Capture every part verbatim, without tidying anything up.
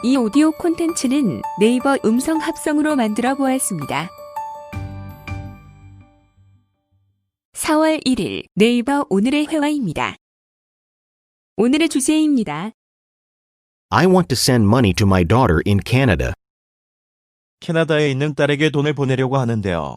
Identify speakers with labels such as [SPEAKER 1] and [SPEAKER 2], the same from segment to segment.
[SPEAKER 1] 이 오디오 콘텐츠는 네이버 음성 합성으로 만들어 보았습니다. 사월 일일 네이버 오늘의 회화입니다. 오늘의 주제입니다.
[SPEAKER 2] I want to send money to my daughter in Canada.
[SPEAKER 3] 캐나다에 있는 딸에게 돈을 보내려고 하는데요.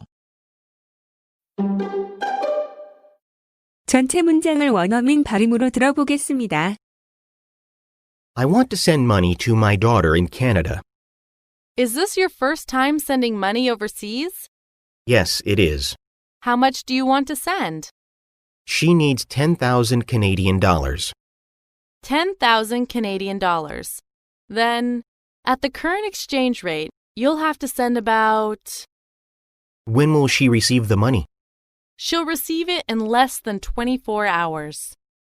[SPEAKER 1] 전체 문장을 원어민 발음으로 들어보겠습니다.
[SPEAKER 2] I want to send money to my daughter in Canada.
[SPEAKER 4] Is this your first time sending money overseas?
[SPEAKER 2] Yes, it is.
[SPEAKER 4] How much do you want to send?
[SPEAKER 2] She needs ten thousand Canadian dollars.
[SPEAKER 4] ten thousand Canadian dollars. Then, at the current exchange rate, you'll have to send about...
[SPEAKER 2] When will she receive the money?
[SPEAKER 4] She'll receive it in less than twenty-four hours.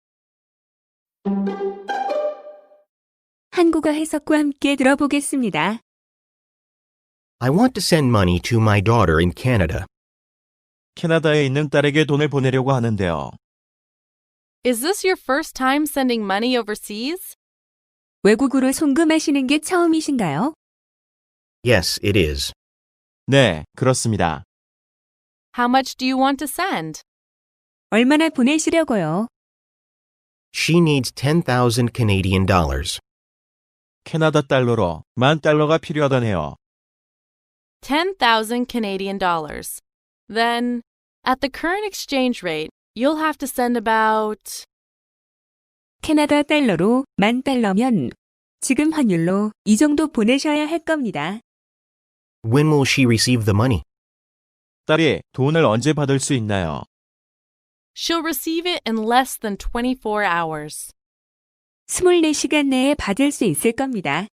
[SPEAKER 1] 한국어 해석과 함께 들어보겠습니다.
[SPEAKER 2] I want to send money to my daughter in Canada.
[SPEAKER 3] 캐나다에 있는 딸에게 돈을 보내려고 하는데요.
[SPEAKER 4] Is this your first time sending money overseas?
[SPEAKER 1] 외국으로 송금하시는 게 처음이신가요?
[SPEAKER 2] Yes, it is.
[SPEAKER 3] 네, 그렇습니다.
[SPEAKER 4] How much do you want to send?
[SPEAKER 1] 얼마나 보내시려고요?
[SPEAKER 2] She needs ten thousand Canadian dollars.
[SPEAKER 3] 캐나다 달러로 만 달러가 필요하다네요.
[SPEAKER 4] ten thousand Canadian dollars. Then, at the current exchange rate, you'll have to send about...
[SPEAKER 1] 캐나다 달러로 만 달러면 지금 환율로 이 정도 보내셔야 할 겁니다.
[SPEAKER 2] When will she receive the money?
[SPEAKER 3] 딸이 돈을 언제 받을 수 있나요?
[SPEAKER 4] She'll receive it in less than twenty-four hours.
[SPEAKER 1] 이십사 시간 내에 받을 수 있을 겁니다.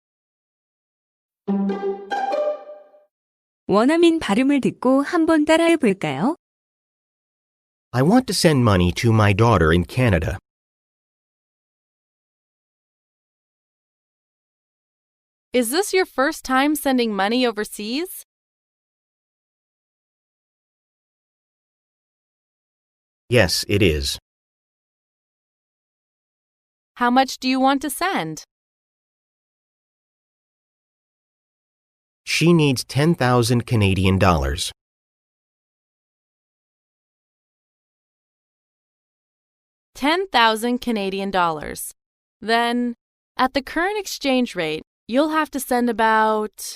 [SPEAKER 1] 원어민 발음을 듣고 한번 따라해 볼까요?
[SPEAKER 2] I want to send money to my daughter in Canada.
[SPEAKER 4] Is this your first time sending money overseas?
[SPEAKER 2] Yes, it is.
[SPEAKER 4] How much do you want to send?
[SPEAKER 2] She needs ten thousand Canadian dollars.
[SPEAKER 4] ten thousand Canadian dollars. Then, at the current exchange rate, you'll have to send about...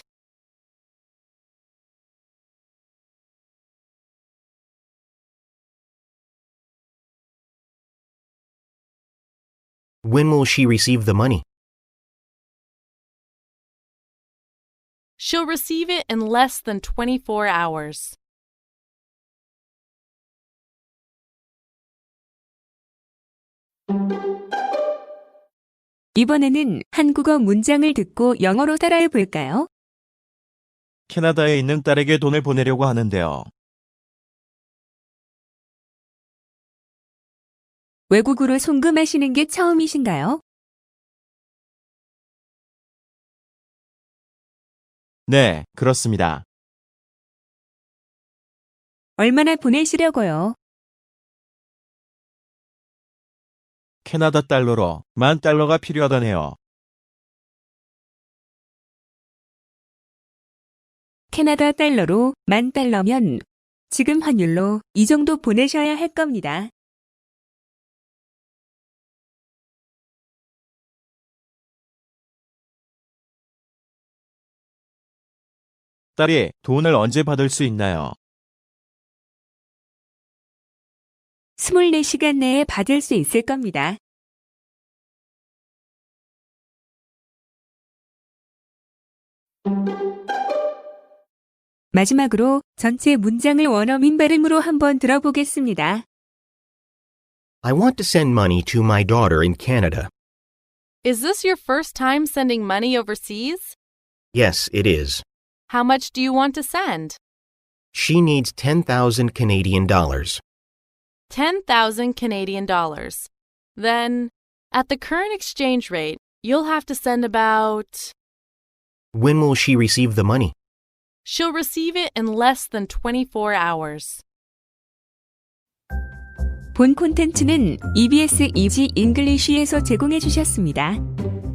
[SPEAKER 2] When will she receive the money?
[SPEAKER 4] She'll receive it in less than twenty-four hours.
[SPEAKER 1] 이번에는 한국어 문장을 듣고 영어로 따라해 볼까요?
[SPEAKER 3] 캐나다에 있는 딸에게 돈을 보내려고 하는데요.
[SPEAKER 1] 외국으로 송금하시는 게 처음이신가요?
[SPEAKER 3] 네, 그렇습니다.
[SPEAKER 1] 얼마나 보내시려고요?
[SPEAKER 3] 캐나다 달러로 만 달러가 필요하다네요.
[SPEAKER 1] 캐나다 달러로 만 달러면 지금 환율로 이 정도 보내셔야 할 겁니다.
[SPEAKER 3] 딸이 돈을 언제 받을 수 있나요?
[SPEAKER 1] 이십사 시간 내에 받을 수 있을 겁니다. 마지막으로 전체 문장을 원어민 발음으로 한번 들어보겠습니다.
[SPEAKER 2] I want to send money to my daughter in Canada.
[SPEAKER 4] Is this your first time sending money overseas?
[SPEAKER 2] Yes, it is.
[SPEAKER 4] How much do you want to send?
[SPEAKER 2] She needs ten thousand Canadian dollars.
[SPEAKER 4] ten thousand Canadian dollars. Then, at the current exchange rate, you'll have to send about...
[SPEAKER 2] When will she receive the money?
[SPEAKER 4] She'll receive it in less than twenty-four hours.
[SPEAKER 1] 본 콘텐츠는 이비에스 이지 잉글리쉬에서 제공해 주셨습니다.